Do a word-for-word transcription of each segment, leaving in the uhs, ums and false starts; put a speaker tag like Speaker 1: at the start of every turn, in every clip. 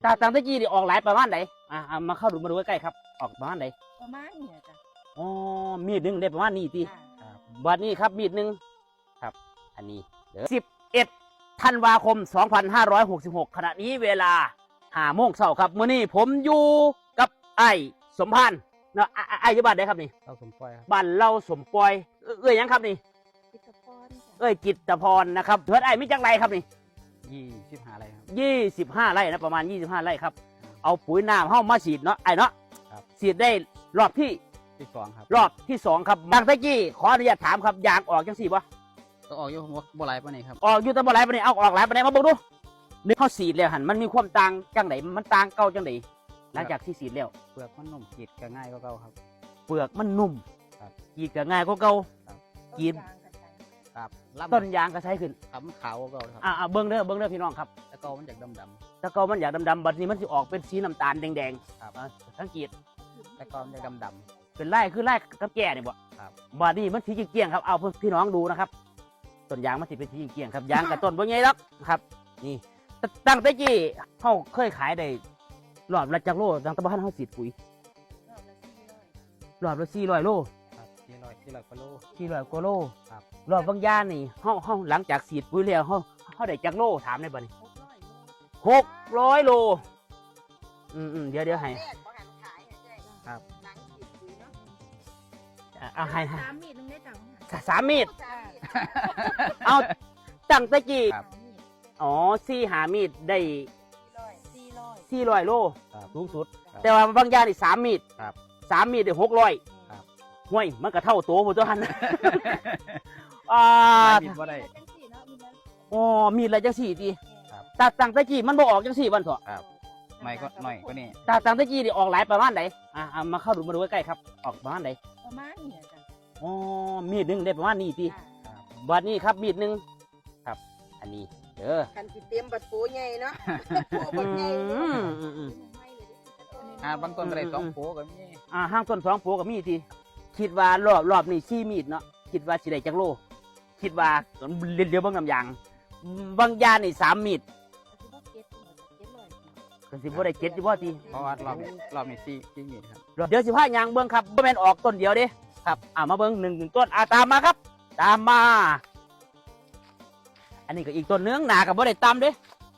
Speaker 1: ตาตังตะกี้นี่ออกหลายประมาณไหนอ่ามาเข้าดูมาดูใกล้ๆครับออกประมาณไหน
Speaker 2: ประมาณเนี่ยจ้ะ
Speaker 1: อ๋อมีดหนึ่งได้ประมาณนี้ทีบัดนี้ครับมีดหนึ่งครับอันนี้เดี๋ยวสิบเอ็ดธันวาคมสองพันห้าร้อยหกสิบหกขณะนี้เวลาห้าโมงเช้าครับมื้อนี้ผมอยู่กับไอ้สมพานเนาะไอ้อยู่บ้านไหนครับนี่
Speaker 3: เราสมปอยครับ
Speaker 1: บ้านเราสมปอยเอ้ยยังครับนี่
Speaker 2: กิตพร
Speaker 1: เอ้ยกิตพรนะครับเพื่อนไอ้มิจังไรครับนี่
Speaker 3: ยี่สิบห้าไร่ครับ
Speaker 1: ยี่สิบห้าไร่นะประมาณยี่สิบห้าไร่ครับเอาปุ๋ยน้ำเข้ามาฉีดเนาะไอ้เนาะฉีดได้รอบที่
Speaker 3: ที่สองครับ
Speaker 1: รอบที่สองครับบางตะกี้ขออนุญาตถามครับยางออกจังสี่ปะ
Speaker 3: ก็ออกอยู่บ่หลายปานนี้ครับ
Speaker 1: ออกอยู่แต่บ่หลายปานนี้เอาออกหลายปานนี้มาบอกดูนึกเข้าฉีดแล้วหันมันมีความต่างจังไหนมันต่างเก่าจังไหนหลังจากที่ฉีดแล้ว
Speaker 3: เปลือกมันนุ่มกีดก็ง่ายกว่าเก่าครับ
Speaker 1: เปลือกมันนุ่ม
Speaker 3: ครับ
Speaker 1: กีดก็ง่ายกว่าเก่ากีด
Speaker 3: ครับ
Speaker 1: ต้นยางก็ใช้ขึ้น
Speaker 3: ครับมันขาวกว่าเก่าครับ
Speaker 1: อ่าเบิ้งเด้อเบิ้งเด้อพี่น้องครับ
Speaker 3: แต่เก่ามันจากดำด
Speaker 1: ำแต่เก่ามันอยากดำๆบัดนี้มันจะออกเป็นสีน้ำตาลแดง
Speaker 3: ๆครับ
Speaker 1: สังเกต
Speaker 3: แต่เก่ามันจากดำด
Speaker 1: ำเป็นไร่คือไร่กับแก่เนี่ยบ่
Speaker 3: ครับ
Speaker 1: บัดนี้มันสีเกี้ยงครับเอาพี่น้องดูนะครับต้นยางมันสิเป็นสีเกี้ยงครับยางกับต้นบ่ใหญ่หรอกครับนี่ตั้งแต่กี้เขาเคยขายได้รอบละจักโลตั้งแต่บ้านเขาฉีดปุ๋ยรอบละสี่ร้อยโล
Speaker 3: ครับสี่ร้อยสี่ร้อยกว่าโล
Speaker 1: สี่ร้อยกว่าโล
Speaker 3: ครับ
Speaker 1: รอบบางย่านนี่เขาเขาหลังจากฉีดปุ๋ยแล้วเขาเขาได้จักโลถามได้บ่นี่หกร้อยโลอืมอืมเดี๋ยวเดี๋ยวให้
Speaker 3: ครับ
Speaker 1: เอาให้
Speaker 2: สามมีดนึงได้จัง
Speaker 1: สามมีดเอาตั้งแต่กี้อ๋อสี่หามีดได้สี่ร้อยโลสูงสุดแต่ว่าบางย่านนี่สามมีดสามมีดได้หกร้อยห่วยมันก็เท่าตัวผมตัวหันอ่า
Speaker 3: มีดบ่ได้
Speaker 1: อ๋อมีดอะไรจังสี่ทีตาตังตะกี้มันบ่ออกจังสี่วันเถอะ
Speaker 3: ไม่ก็หน่อยก็นี่
Speaker 1: ตาตังตะกี้นี่ออกหลายประมาณไหนอ่ามาเข้าดูมาดูใกล้ๆครับออกประมาณไหน
Speaker 2: ประมาณเนี่ยจ้ะ
Speaker 1: อ๋อมีดหนึ่งได้ประมาณนี้ทีบัดนี้ครับมีดหนึ่งครับอันนี้เด้อ
Speaker 2: คันสิเตรียมบัดปูใหญ่เนาะปูบัดใหญ่
Speaker 3: อ่าบางต้นก็ได้สองโผก็มี
Speaker 1: อ่าห้างต้นสองโผก็มีทีคิดว่ารอบรอบนี่สี่มีดเนาะคิดว่าสิได้จักโลคิดว่าเดี๋ยวเบิ่งน้ำยางบางยานี่สามมีดก็สิบ่ได้เจ็ดสิบ่ที
Speaker 3: เพราะว่ารอบรอบนี้สี่สี่มีดครับ
Speaker 1: เดี๋ยวสิพายางเบิ่งครับบ่แม่นออกต้นเดียวเด้ครับอ่ามาเบิ่งหนึ่งหนึ่งต้นอ่าตามมาครับตามมาอันนี้ก็อีกต้นนึงหนากับบ่ได้ตามเด้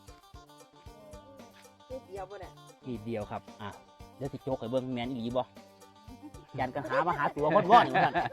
Speaker 2: เดียวบ่ได้
Speaker 1: อีเดียวครับอ่ะเดี๋ยวสิโจกให้เบิ่งแม่นอีหลีบ่ยันกันหามาหาตัวคนว่อนเหมือนกัน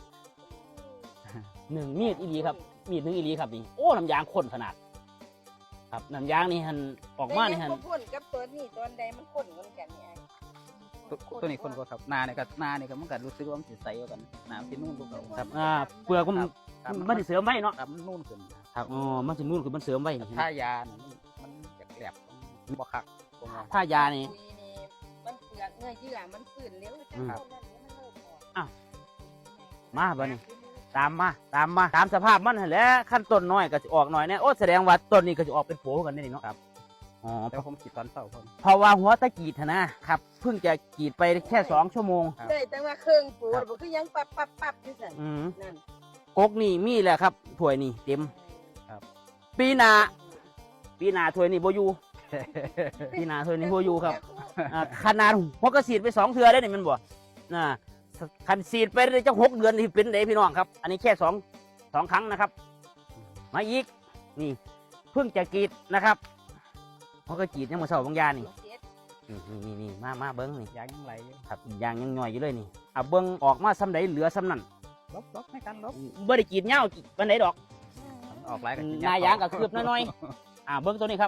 Speaker 1: หนึ่งมีดอีหลีครับมีดหนึ่งอีหลีครับนี่โอ้น้ำยางข้นขนาดครับน้ำยางนี่หันออกมานี่หัน
Speaker 2: ข้นกับตัวนี้ตัวใดมันข้นกันกันนี่ไอ้
Speaker 3: ตัวนี้คนก็ครับนาเนี่ยก็นาเนี่ยก็มันก็รู้สึกว่ามันสิใสกว่ากันน้ำที่นู่นทุกคน
Speaker 1: ครับอ่าเปลือกมันมันสิเสริมไว้เนาะ
Speaker 3: ครับมันนู่นขึ้น
Speaker 1: ครับอ๋อมันสินู่นขึ้นมันเสริมไว้
Speaker 3: ถ้ายามันจะแกลบบ่คัก
Speaker 1: ถ้ายานี่
Speaker 2: มันเปลือกเนื้อเยื่อมันฝืนเร็ว
Speaker 1: ครับอ้าวมาบ่นี่ตามมาตามมาตามสภาพมันแหละขั้นต้นน้อยก็จะออกหน่อยเนี่ยโอ้แสดงว่าต้นนี้ก็จะออกเป็นโผกันนี่เนาะครับ
Speaker 3: อ๋อแต่ผมกรีดตอนเช้าผม
Speaker 1: เพราะว่าหัวตะกีดนะครับเพิ่งจะกรีดไปแค่สองชั่วโมง
Speaker 2: ได้แต่ว่าเครื่องปูมันคือยังปับปับปับอยู่สั่น
Speaker 1: นั่นกกนี่มีแหละครับถ้วยนี่เต็มครับปีหน้าปีหน้าถ้วยนี่โบยูปีหน้าถ้วยนี่โบยูครับขนาดหัวกระสีดไปสองเทือได้เนี่ยมันบ่น่ะขันสีดไปได้จังหกเดือนที่เป็นเด็พี่น้องครับอันนี้แค่สองสองครั้งนะครับมาอีกนี่เพิ่งจะกรีดนะครับเขาก็จีดยังมาเสาบางยานี่นี่นี่นี่มามาเบิ้งนี่
Speaker 3: ยางยังไหล
Speaker 1: ครับยางยังหน่อยอยู่เลยนี่อ่ะเบิ้งออกมาซ้ำไหนเหลือซ้ำนั่น
Speaker 3: ลบลบไม่กันลบ
Speaker 1: บ่ได้จีดเงาปันไหนดอก
Speaker 3: ออกหลายกัน
Speaker 1: นายยางกับคืบน้อยๆอ่ะเบิ้งตัวนี้ครับ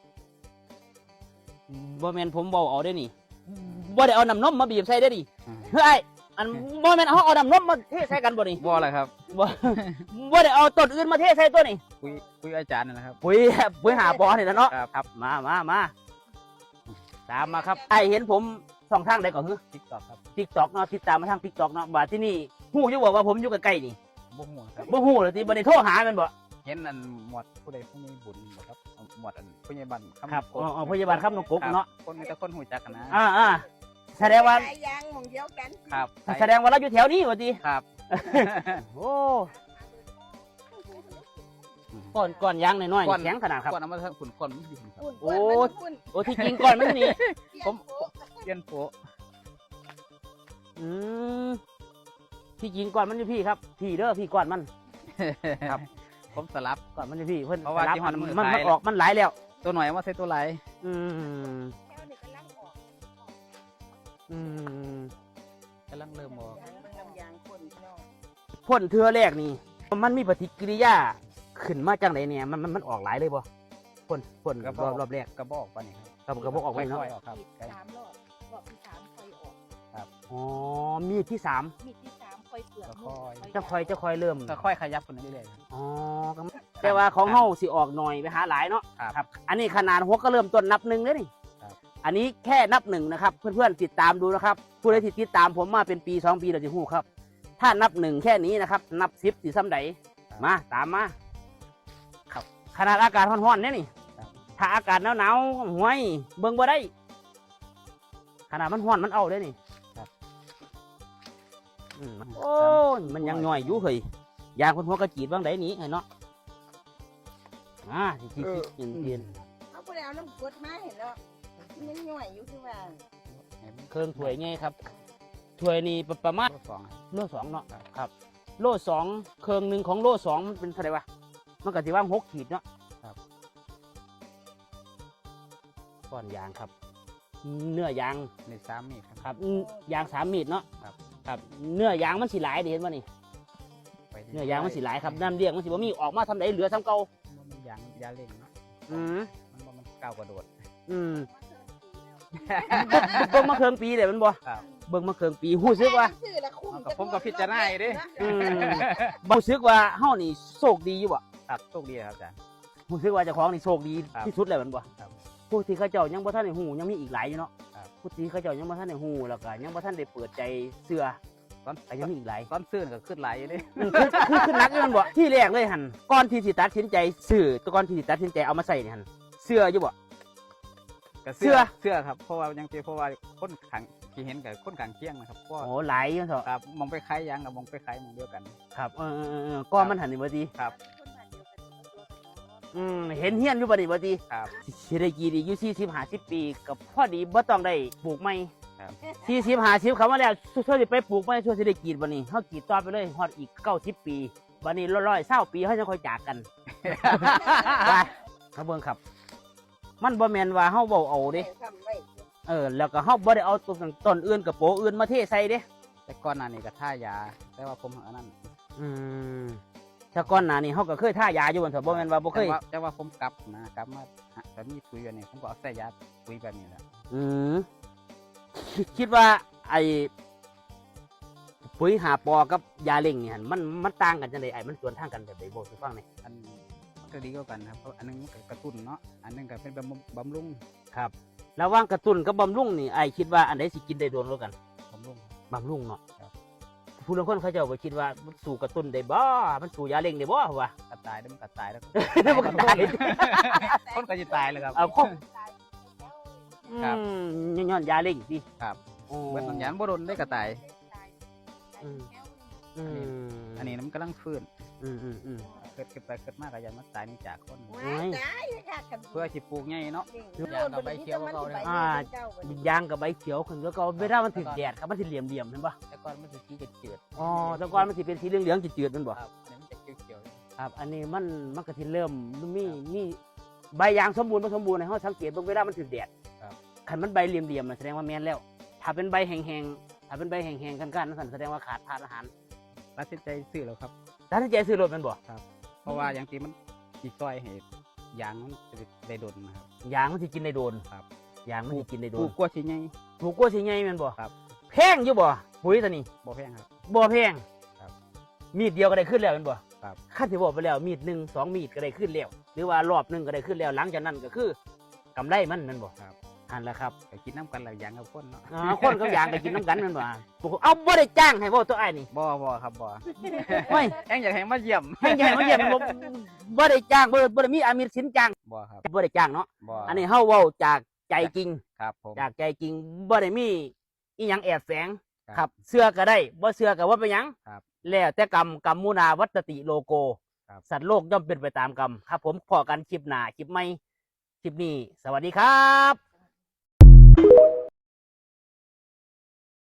Speaker 1: บ่แมนผมเบาเอาได้นี่บ่ได้เอาน้ำนมมาบีบใส่ได้ดิเฮ้ยอันบ่แมนเขาเอาน้ำนมมาเทใส่กันบ่นี่
Speaker 3: บ่อะไรครับ
Speaker 1: บ่บ่ได้เอาต้นอื่นมาเทใส่ตัวนี่
Speaker 3: คุยคุยอาจารย์นะครับ
Speaker 1: ปุ๋ยปุ๋ยหาบอนี่นะเนาะครับมามามาตามมาครับไอเห็นผมสองทางใดก่อนคือ
Speaker 3: ติ๊กต็อกครับ
Speaker 1: ติ๊กต็อกเนาะติดตามมาทางติ๊กต็อกเนาะบ่าที่นี่ฮู้อยู่บอกว่าผมอยู่ใกล้ๆนี่
Speaker 3: บ่ฮู้ครับ
Speaker 1: บ่ฮู้เลยที่บ่ได้โทรหามันบ่
Speaker 3: เห็นอันหมวดผู้ใดผู้นี้บุญบ่ครับหมวดอันผู้ใหญ่บ้าน
Speaker 1: ครับอ๋อผู้ใหญ่บ้านครับน้องกบเนาะ
Speaker 3: คนมีแต่คนหูจักกันนะ
Speaker 1: อ่าๆแสดงว่า
Speaker 2: ยังมองเดียวกัน
Speaker 3: ครับ
Speaker 1: แสดงว่าเราอยู่แถวนี้ว่าติ
Speaker 3: ครับ
Speaker 1: โอ้ก้อนก้อนยางน้อย
Speaker 3: ก้อน
Speaker 1: ๆแข็งขนาดครับ
Speaker 3: ก้อนเอามาทางฝุ่นก้อนมันอยู่ครับ
Speaker 2: ฝุ่น
Speaker 1: โอ้
Speaker 2: ฝุ่น
Speaker 1: โอ้ที่จริงก้อนมันนี่
Speaker 3: ผม เปลี่ยนโปะ
Speaker 1: อืมที่จริงก้อนมันอยู่พี่ครับพี่เด้อพี่ก้อนมัน ครับ
Speaker 3: ผมสลับ
Speaker 1: ก้อนมันอยู่พี่เพิ่น
Speaker 3: เพราะว่า
Speaker 1: รับ
Speaker 3: ที่มันมือ
Speaker 1: มัน
Speaker 3: ขาย
Speaker 1: มันออกมันหลายแล้ว
Speaker 3: ตัวหน่อยเอามาใส่ตัวไหล
Speaker 1: อืม
Speaker 2: แถวนี้กำลังออก
Speaker 1: อืม
Speaker 3: กำลังเริ่มออก
Speaker 2: ยางมันน้ำยางคนพี่น้อง
Speaker 1: พ่นเทือแรกนี่มันมีปฏิกิริยาขึ้นมาจังไดเนี่ยมันมันมันออกหลายเลยบ่พ่นพ่นรอบรอบแรก
Speaker 3: กระบอกปะนี่ครับ
Speaker 1: กระบอกกระบอกออกไปเนาะ
Speaker 3: ค่อยๆออกครับ
Speaker 2: มีดสามรอบรอบที่สามค่อยออก
Speaker 1: อ๋อมีดที่สาม
Speaker 2: มีดที่สามค่อยเปลือกนุ่ม
Speaker 1: จะคอยจะคอยเริ่ม
Speaker 3: ค่อยๆขยับคนนี้เรื่อยๆครับ
Speaker 1: อ๋อก็แต่ว่าของเฮาสิออกหน่อยไปหาหลายเนาะ
Speaker 3: ครับ
Speaker 1: ครับ อันนี้ขนาดหัวก็เริ่มต้นนับหนึ่งเลยนี่
Speaker 3: ครับ
Speaker 1: อันนี้แค่นับหนึ่งนะครับ เพื่อนๆติดตามดูนะครับ ผู้ใดที่ติดตามผมมาเป็นปีสองปีเราจะหู้ครับ ถ้านับหนึ่งแค่นี้นะครับ นับสิบสิซ้ำใดมาตามมาครับขนาดอากาศร้อนๆเนี่ยนี่
Speaker 3: ครับ
Speaker 1: ถ้าอากาศหนาวๆห่วยเบิ่งบ่ได้ ขนาดมันร้อนมันเอาได้นี่
Speaker 3: ครับ
Speaker 1: อืมโอ้ยมันยังหน่อยอยู่เฮ้ยยางคนหัวกระจีดบ้างไดหนี้ไอ้เนาะอ่าที่ที่ที่เย็น
Speaker 2: เอาไปเอาน้ำกรดมาเห็นแล้วมันยังย่อยอยู่คือว่า
Speaker 1: ๆเครื่องถ้วยไงครับถ้วยนี่ประมาณ
Speaker 3: ตัวสอง
Speaker 1: โลสองเนาะครับ โลสองเครื่องหนึ่งของโลสองมันเป็นเท่าไหร่วะมันก็สิว่าหกขีดเนาะก้อนยางครับ เนื้อยาง
Speaker 3: ในสามมีดครับ
Speaker 1: ครับอืมยางสามมีดเนาะ
Speaker 3: ครับ
Speaker 1: ครับ เนื้อยางมันสิหลายเด้เห็นป่ะนี่
Speaker 3: ไปที่
Speaker 1: เนื้อยางมันสิหลายครับน้ำเลี้ยงมันสิบ่มีออกมาทำไดเหลือซ้ำเก่า
Speaker 3: มันยางยาเล่งเนาะ
Speaker 1: อืม
Speaker 3: มันบ่มันก้าวกระโดด
Speaker 1: อืมเบิ่งมาเครื่องปีเลยมันบ่
Speaker 3: ครับ
Speaker 1: เบิ่งมาเครื่องปีหู้สึกว่า
Speaker 2: ซื้อละคุ้ม
Speaker 3: เอากับผมก็พิจารณาอยู่ดิ
Speaker 1: อืมบ่รู้สึกว่าเฮานี่โชคดีอยู่บ่
Speaker 3: ครับโชคดีครับอาจารย์
Speaker 1: รู้สึกว่าเจ้าของนี่โชคดี
Speaker 3: ครับ
Speaker 1: ที่สุดแล้วแมันบ่
Speaker 3: ครับ
Speaker 1: ผู้ที่เขาเจ้ายังบ่ทันได้ฮู้ยังมีอีกหลายอยู่เนาะ
Speaker 3: ครับ
Speaker 1: ผู้ที่เขาเจ้ายังบ่ทันได้ฮู้แล้วก็ยังบ่ทันได้เปิดใจเชื่อ
Speaker 3: ตอน
Speaker 1: ก็ยังมีอีกหลาย
Speaker 3: ตอนซื้อก็ขึ้นหลายอยู่ดิ
Speaker 1: อืมคือคือคือนักอยู่แมันบ่ที่แรกเลยหั่นก่อนที่สิตัดสินใจซื้อก่อนที่สิตัดสินใจเอามาใส่นี่หั่นเชื่ออยู่บ่
Speaker 3: ก็
Speaker 1: เสื้
Speaker 3: เสื้
Speaker 1: อ
Speaker 3: อเสื้อครับเพราะว่ายังตีเพราะว่าคนขังที่เห็นกับคนขังเคียงนะครับเพราะ
Speaker 1: โอ้หลายอยู่เถอะ
Speaker 3: ครับมองไปคล้ายยางกับมองไปคล้ายมองเดียวกัน
Speaker 1: ครับเออเออเออเออก็มันหันนี่บ่ดี
Speaker 3: ครับ
Speaker 1: อืมเห็นเฮียนอยู่บ่ดีบ่ดี
Speaker 3: ครับ
Speaker 1: สิได้กี่ดีอยู่สี่สิบ ห้าสิบปีก็พอดีบ่ต้องได้ปลูกใหม่
Speaker 3: ครับ
Speaker 1: สี่สิบ ห้าสิบเขามาแล้วช่วยสิไปปลูกใหม่ช่วยสิได้กรีดบัดนี้เฮากรีดต่อไปเลยฮอดอีกเก้าสิบปีบัดนี้ร้อยๆเศร้าปีเฮาจะค่อยจากกัน ไปเขาเบิ่งครับ มันบ่แม่นว่าเฮาเว้าเอาเด้
Speaker 2: ทำไว้
Speaker 1: เออแล้วก็เฮาบ่ได้เอาต้นต้นอื่นกับโปอื่นมาเทใส่เด้
Speaker 3: แต่ก่อนหน้านี้ก็ท่ายา แต่ว่าผมเอาอันนั้น
Speaker 1: อืมถ้าก่อนหน้านี้เฮาก็เคยท่ายาอยู่บ่นเถอะบ่แม่นว่าบ่เคย
Speaker 3: แต่ว่าแต่ว่าผมกลับนะกลับมาแต่มีปุ๋ยแบบนี้ผมก็เอาใส่ยาปุ๋ยแบบนี้แหละ
Speaker 1: อืมคิดคิดว่าไอ้ปุ๋ยหาปอกับยาเล่งนี่หั่นมันมันต่างกันจังได๋ไอ้มันสวนทางกันแบบใดบ่สิฟังหน่อย
Speaker 3: อันมันก็ดีกว่ากันครับเพราะอันหนึงมันก็กระตุ้นเนาะอันหนึงก็เป็นบำรุงบำรุง
Speaker 1: ครับระหว่างกระตุ้นกับบำรุงนี่ไอ้คิดว่าอันใดสิกินได้โดนกว่ากัน
Speaker 3: บำรุง
Speaker 1: บำรุงเนาะ
Speaker 3: ครับ
Speaker 1: ผู้ลางคนเขาเจ้าก็คิดว่ามันสู่กระตุ้นได้บ่มันสู่ยาเล่งได้บ่ว่า
Speaker 3: กระตายแล้วมันกระตายแล้ว
Speaker 1: มันก็ตาย
Speaker 3: คนก็จะตายเลยครับ
Speaker 1: เอาครบ
Speaker 3: ครับ
Speaker 1: อืมย้อนยาเล่งสิ
Speaker 3: ครับ
Speaker 1: โอ้
Speaker 3: เบิดมันยานบ่โดนได้กระตาย
Speaker 1: อืม อืม
Speaker 3: อันนี้น้ำกำลังฟื้น
Speaker 1: อืมอืมอืม
Speaker 3: เกิดเกิดไปเกิดมากก็ยันมาตายนี่จากคน
Speaker 2: ว้ายได้ค่ะกัน
Speaker 3: เพื่อสิปลูกไงเนาะ
Speaker 2: ยางกับใบเขียวก็เอาเลย
Speaker 1: อ่ายางกับใบเขียวขึ้นแล้วก็เวลามันถึงแดดครับมันสิเหลี่ยมเหลี่ยมๆเห็นปะ
Speaker 3: แต่ก่อนมันจะสีเจืด
Speaker 1: อ๋อแต่ก่อนมันสิเป็นสีเหลืองเหลืองๆจืดๆมันบ่
Speaker 3: ครับอันนี้มันจะเขียว
Speaker 1: ครับ อันนี้มันมันก็สิเริ่มมีมีใบยางสมบูรณ์บ่สมบูรณ์ในห้องสังเกตเบิ่งเวลามันถึงแดดคันมันใบเหลี่ยมเหลี่ยมๆน่ะแสดงว่าแม่นแล้ว ถ้าเป็นใบแห้งๆถ้าเป็นใบแห้งๆกันๆนั่นแสดงว่าขาดธาตุอาหาร
Speaker 3: ๆตัดสินใจซื้อแล้วครับ
Speaker 1: ตัดสินใจซื้อรถแมันบ่
Speaker 3: เพราะว่าอย่างที่มันสีซอยให้ยางมันจะได้ดนนะครับ
Speaker 1: ยางมันสิกินได้โดน
Speaker 3: ครับ
Speaker 1: ยางมันสิกินได้โด
Speaker 3: ปลู
Speaker 1: น
Speaker 3: กกล้วยสีไง
Speaker 1: ถูกกว่าสิใหญ่แม่นบ่
Speaker 3: ครับ
Speaker 1: แพงอยู่บ่ปุ๋ยตัวนี้
Speaker 3: บ่แพงครับ
Speaker 1: บ่แพง
Speaker 3: ครับ
Speaker 1: มีดเดียวก็ได้ขึ้นแล้วแม่นบ่
Speaker 3: ครับ
Speaker 1: ขั้นที่บอกไปแล้วมีดหนึ่งสองมีดก็ได้ขึ้นแล้วหรือว่ารอบหนึ่งก็ได้ขึ้นแล้วหลังจากนั้นก็คือกำไรมันแม่นบ่
Speaker 3: ครับ
Speaker 1: อันละครับ
Speaker 3: ก็กินน้ำกันหลายอย่างกับคนเนาะ
Speaker 1: อ่าคนกับยางก็กินน้ำกันแม่นบ่เอาบ่ได้จ้างให้บ่ตัวไอ้ายนี่
Speaker 3: บ่บ่ครับบ่
Speaker 1: ไม่
Speaker 3: แองอยากให้มาเยี่ยม
Speaker 1: ให้ใหญ่มาเยี่ยมบ่บ่ได้จ้างบ่บ่ได้มีอามีสินจ้าง
Speaker 3: บ่ครับ
Speaker 1: บ่ได้จ้างเนาะ
Speaker 3: บ่
Speaker 1: อันนี้เฮาเว้าจากใจจริง
Speaker 3: ครับผม
Speaker 1: จากใจจริงบ่ได้มีอีหยังแอบแฝง
Speaker 3: ครับ
Speaker 1: ครับเสื้อก็ได้บ่เสื้อก็ว่าเป็นหยัง
Speaker 3: ครับ
Speaker 1: แล้วแต่กรรมกรรมมุนาวัตติโลโก
Speaker 3: ครับ
Speaker 1: สัตว์โลกย่อมเป็นไปตามกรรมครับ ผมพอกันคลิปหน้าคลิปใหม่คลิปนี้ สวัสดีครับ